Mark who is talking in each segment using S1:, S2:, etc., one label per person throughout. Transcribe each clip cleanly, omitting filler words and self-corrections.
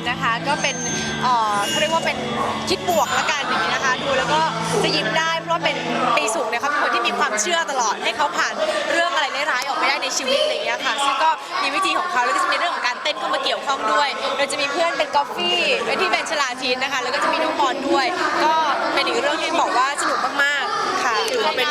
S1: นะคะก็เป็นเขาเรียกว่าเป็นคิดบวกละกันอย่างนี้นะคะดูแล้วก็จะยิ้มได้เพราะว่าเป็นปีสุกเนี่ยเขาเป็นคนที่มีความเชื่อตลอดให้เขาผ่านเรื่องอะไรร้ายๆออกไปได้ในชีวิตอะไรอย่างเงี้ยค่ะซึ่งก็มีวิธีของเขาแล้วก็จะมีเรื่องของการเต้นเข้ามาเกี่ยวข้องด้วยเราจะมีเพื่อนเป็นกอฟฟี่เป็นที่เป็นชลาทินนะคะแล้วก็จะมีน้องบอลด้วยก็เป็นอีกเรื่องที่บอกว่าสนุกมากๆค่ะถือว่าเป็น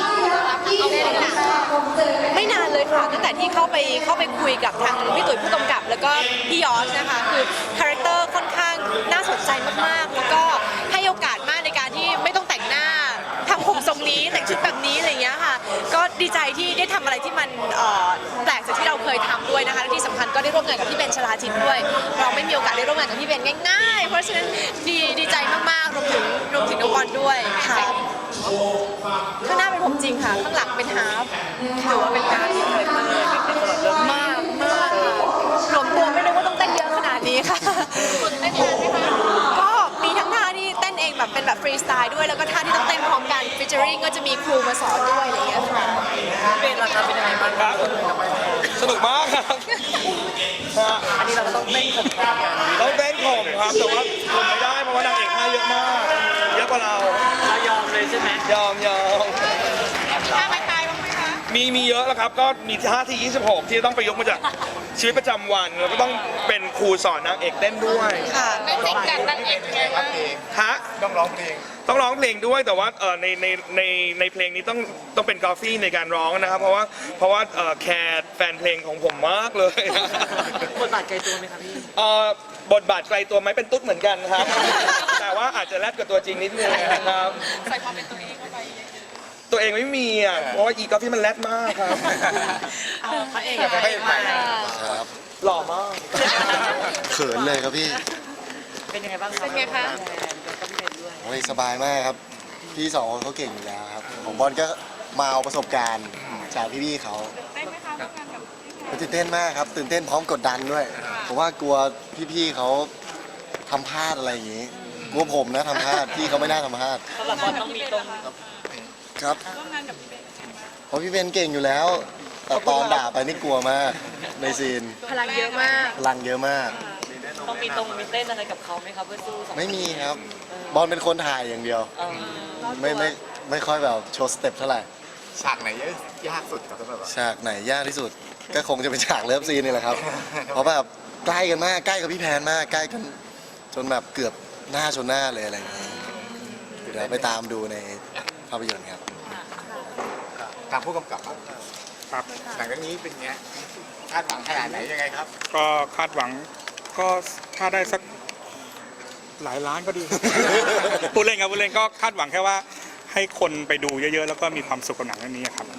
S1: ไม่นานเลยค่ะตั้งแต่ที่เข้าไปคุยกับทางพี่ตุ๋ยผู้กำกับแล้วก็พี่ยอสนะคะคือคาแรคเตอร์ค่อนข้างน่าสนใจมากๆแล้วก็ให้โอกาสมากในการที่ไม่ต้องแต่งหน้าทำผมทรงนี้แต่งชุดแบบนี้อะไรอย่างเงี้ยค่ะก็ดีใจที่ได้ทำอะไรที่มันแปลกจากที่เราเคยทำด้วยนะคะและที่สำคัญก็ได้ร่วมงานกับพี่เบนชลาทินด้วยเราไม่มีโอกาสได้ร่วมงานกับพี่เบนง่ายๆเพราะฉะนั้นดีใจมากๆรวมถึงน้องบอลด้วยค่ะข้างหน้าเป็นผมจริงค่ะข้างหลังเป็นฮาล์ฟถือว่าเป็นการที่เลยมากหลวมตัวไม่รู้ว่าต้องเต้นเยอะขนาดนี้ค่ะเต้นนานไหมคะก็มีทั้งท่าที่เต้นเองแบบเป็นแบบฟรีสไตล์ด้วยแล้วก็ท่าที่ต้องเต้นพร้อมกันฟิชเจอริงก็จะมีครูมาสอนด้วยอะไรอย่างเงี้ยค่ะเป็นราคาเป็นยังไงบ้างครับ
S2: สนุกมากครับ
S3: อันนี้เราก็ต้องเต้นข่มกัน
S2: ต้องเต้นข่มครับแต่ว่าข่มไม่ได้เพราะว่านางเอกท่าเยอะมากเยอะกว่าเรา
S3: ยอมเลยใช่ไหม
S2: ยอม
S1: ท่าไม้ตายบ้างไหมคะ
S2: มีเยอะแล้วครับก็มีท่าที่26ที่ต้องไปยกมาจากชีวิตประจำวันแล้วก็ต้องเป็นครูสอนนางเอกเต้นด้วย
S1: ค่ะไม่ติดกันนางเอกไงบ้าง
S2: ฮะ
S4: ต้องร้องเพลง
S2: ด้วยแต่ว่าในเพลงนี้ต้องเป็นกอฟฟี่ในการร้องนะครับเพราะว่าแคร์แฟนเพลงของผมมากเลย
S3: บทบาทไกลตัวไหมครับพี่
S2: บทบาทไกลตัวไหมเป็นตุ๊ดเหมือนกันครับแต่ว่าอาจจะแรดกับตัวจริงนิดนึงนะครับ
S1: ใส่ความเป็นตัวเองเข้าไป
S2: ตัวเองไม่มีอ่ะเพราะว่าอีกอฟฟี่มันแรดมากครับ
S1: พระเอก
S4: ครับ
S2: หล่อมาก
S4: เขินเลยครับพี่
S3: เป็นยังไงบ้าง
S1: เป็นไงคะ
S4: โอ้ยสบายมากครับพี่สองคนเขาเก่งอยู่แล้วครับของบอลก็มาเอาประสบการณ์จากพี่ๆเขาตื่นเต้นมากครับตื่นเต้นพร้อมกดดันด้วยผมว่ากลัวพี่ๆเขาทำพลาดอะไรอย่างนี้กลัวผมนะทำพลาดพี่เขาไม่น่าทำพลาด
S3: สำหรับบอลต้องมีตรง
S4: ครับเพราะพี่เบนเก่งอยู่แล้วแต่ตอนด่าไปนี่กลัวมากในซีน
S1: พลังเยอะมาก
S3: ต้องมีตรงมีเต้นอะไรกับเขาไหมครับเพื่อสู้
S4: ไม่มีครับบอลเป็นคนถ่ายอย่างเดียวไม่ค่อยแบบโชว์สเต็ปเท่าไหร่
S5: ฉากไหนยากสุดครับสำหรับ
S4: ฉากไหนยากที่สุดก็คงจะเป็นฉากเลิฟซีนนี่แหละครับเพราะแบบใกล้กันมากใกล้กับพี่แพนมากใกล้กันจนแบบเกือบหน้าชนหน้าเลยอะไรอย่างเงี้ยเดี๋ยวไปตามดูในภาพยนตร์ครับ
S5: ทางผู้กำกับ
S6: ครับ
S5: หลังจากนี้เป็นไงคาดหวังขนาดไหนยังไงครับ
S6: ก็คาดหวังก็ถ้าได้สักหลายล้านก็ดีพูดเล่นครับพูดเล่นก็คาดหวังแค่ว่าให้คนไปดูเยอะๆแล้วก็มีความสุขกับหนังเรื่องนี้ครับ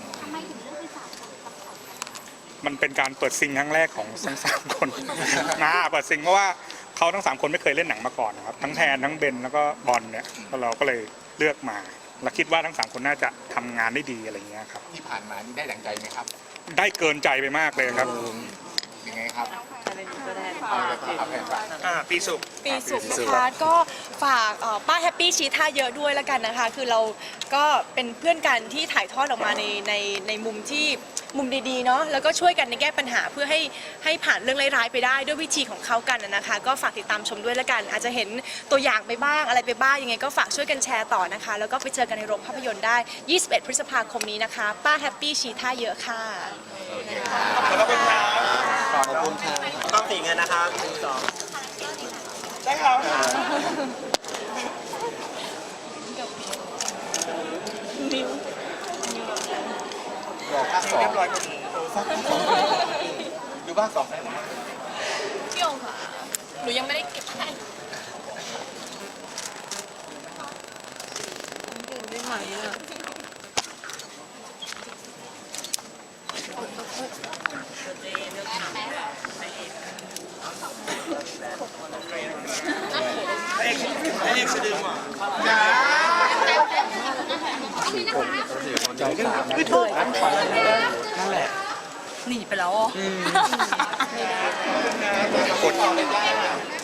S6: มันเป็นการเปิดซิงครั้งแรกของทั้ง3 คนเปิดซิงเพราะว่าเขาทั้ง3 คนไม่เคยเล่นหนังมาก่อนนะครับทั้งแทนทั้งเบนแล้วก็บอลเนี่ยเราก็เลยเลือกมาและคิดว่าทั้ง3 คนน่าจะทำงานได้ดีอะไรเงี้ยครับ
S5: ที่ผ่านมานี่ได้ดังใจไหมครับ
S6: ได้เกินใจไปมากเลยครับ
S5: ยังไงครับ
S2: ปีสุก
S1: นะคะก็ฝากป้าแฮปปี้ชีท่าเยอะด้วยแล้วกันนะคะคือเราก็เป็นเพื่อนกันที่ถ่ายทอดออกมาในมุมที่มุมดีๆเนาะแล้วก็ช่วยกันในแก้ปัญหาเพื่อให้ผ่านเรื่องร้ายๆไปได้ด้วยวิธีของเขากันนะคะก็ฝากติดตามชมด้วยแล้วกันอาจจะเห็นตัวอย่างไปบ้างอะไรไปบ้างยังไงก็ฝากช่วยกันแชร์ต่อนะคะแล้วก็ไปเจอกันในโรงภาพยนตร์ได้21 พฤษภาคมนี้นะคะป้าแฮปปี้ชีท่าเยอะค่ะ
S2: ขอบคุณครับ
S3: ต้องสีเงินนะคะ
S2: ได้ครับ
S5: บอกภาค2เรียบร้อยพอดีดูภาค2ได้ไหม
S1: เที่ยวค่ะหนูยังไม่ได้เก็บให้ได้ไหมอ่ะ
S2: เอกสะดึงว่ะ
S1: คือโทษนั่นแหละหนีไปแล้ว